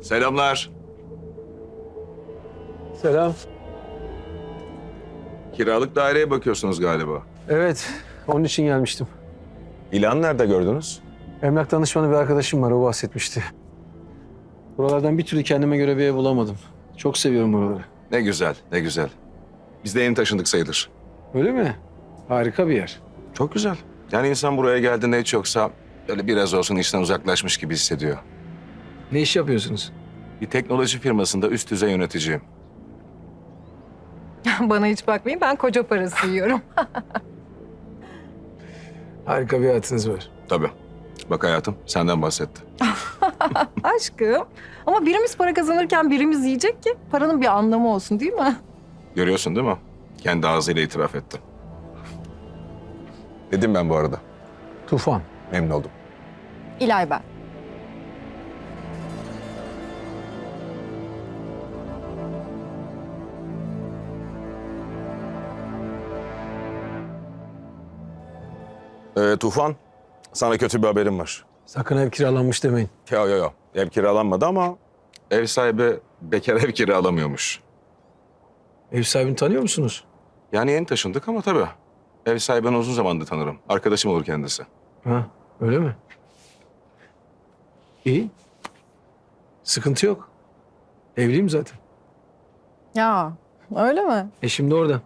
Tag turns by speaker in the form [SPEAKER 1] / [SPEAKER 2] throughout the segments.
[SPEAKER 1] Selamlar.
[SPEAKER 2] Selam.
[SPEAKER 1] Kiralık daireye bakıyorsunuz galiba.
[SPEAKER 2] Evet, onun için gelmiştim.
[SPEAKER 1] İlan nerede gördünüz?
[SPEAKER 2] Emlak danışmanı bir arkadaşım var, o bahsetmişti. Buralardan bir türlü kendime göre bir ev bulamadım. Çok seviyorum buraları.
[SPEAKER 1] Ne güzel, ne güzel. Biz de yeni taşındık sayılır.
[SPEAKER 2] Öyle mi? Harika bir yer.
[SPEAKER 1] Çok güzel. Yani insan buraya geldiğinde hiç yoksa böyle biraz olsun işten uzaklaşmış gibi hissediyor.
[SPEAKER 2] Ne iş yapıyorsunuz?
[SPEAKER 1] Bir teknoloji firmasında üst düzey yöneticiyim.
[SPEAKER 3] Bana hiç bakmayın, ben koca parası yiyorum.
[SPEAKER 2] Harika bir hayatınız var.
[SPEAKER 1] Tabii. Bak hayatım, senden bahsetti.
[SPEAKER 3] Aşkım. Ama birimiz para kazanırken birimiz yiyecek ki paranın bir anlamı olsun, değil mi?
[SPEAKER 1] Görüyorsun değil mi? Kendi ağzıyla itiraf etti. Dedim ben bu arada.
[SPEAKER 2] Tufan.
[SPEAKER 1] Memnun oldum.
[SPEAKER 3] İlay ben.
[SPEAKER 1] Tufan, sana kötü bir haberim var.
[SPEAKER 2] Sakın ev kiralanmış demeyin.
[SPEAKER 1] Yo. Ev kiralanmadı ama ev sahibi bekar ev kiralamıyormuş.
[SPEAKER 2] Ev sahibini tanıyor musunuz?
[SPEAKER 1] Yani yeni taşındık ama tabii. Ev sahibini uzun zamandır tanırım. Arkadaşım olur kendisi.
[SPEAKER 2] Ha, öyle mi? İyi. Sıkıntı yok. Evliyim zaten.
[SPEAKER 3] Ya öyle mi?
[SPEAKER 2] Eşim de orada.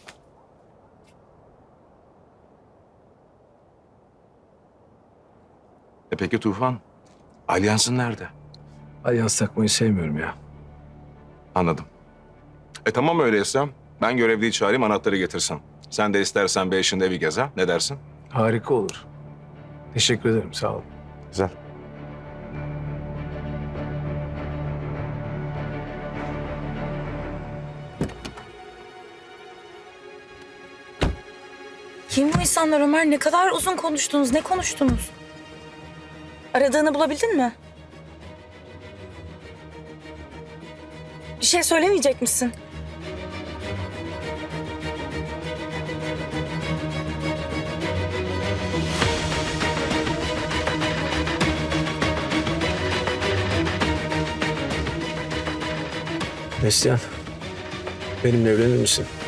[SPEAKER 1] Peki Tufan, alyansın nerede?
[SPEAKER 2] Alyans takmayı sevmiyorum ya.
[SPEAKER 1] Anladım. Tamam öyleyse ben görevliyi çağırayım anahtarı getirsin. Sen de istersen bir eşinde evi gez ha. Ne dersin?
[SPEAKER 2] Harika olur. Teşekkür ederim, sağ olun.
[SPEAKER 1] Güzel.
[SPEAKER 4] Kim bu insanlar Ömer? Ne kadar uzun konuştunuz, ne konuştunuz? Aradığını bulabildin mi? Bir şey söylemeyecek misin?
[SPEAKER 2] Neslihan, benimle evlenir misin?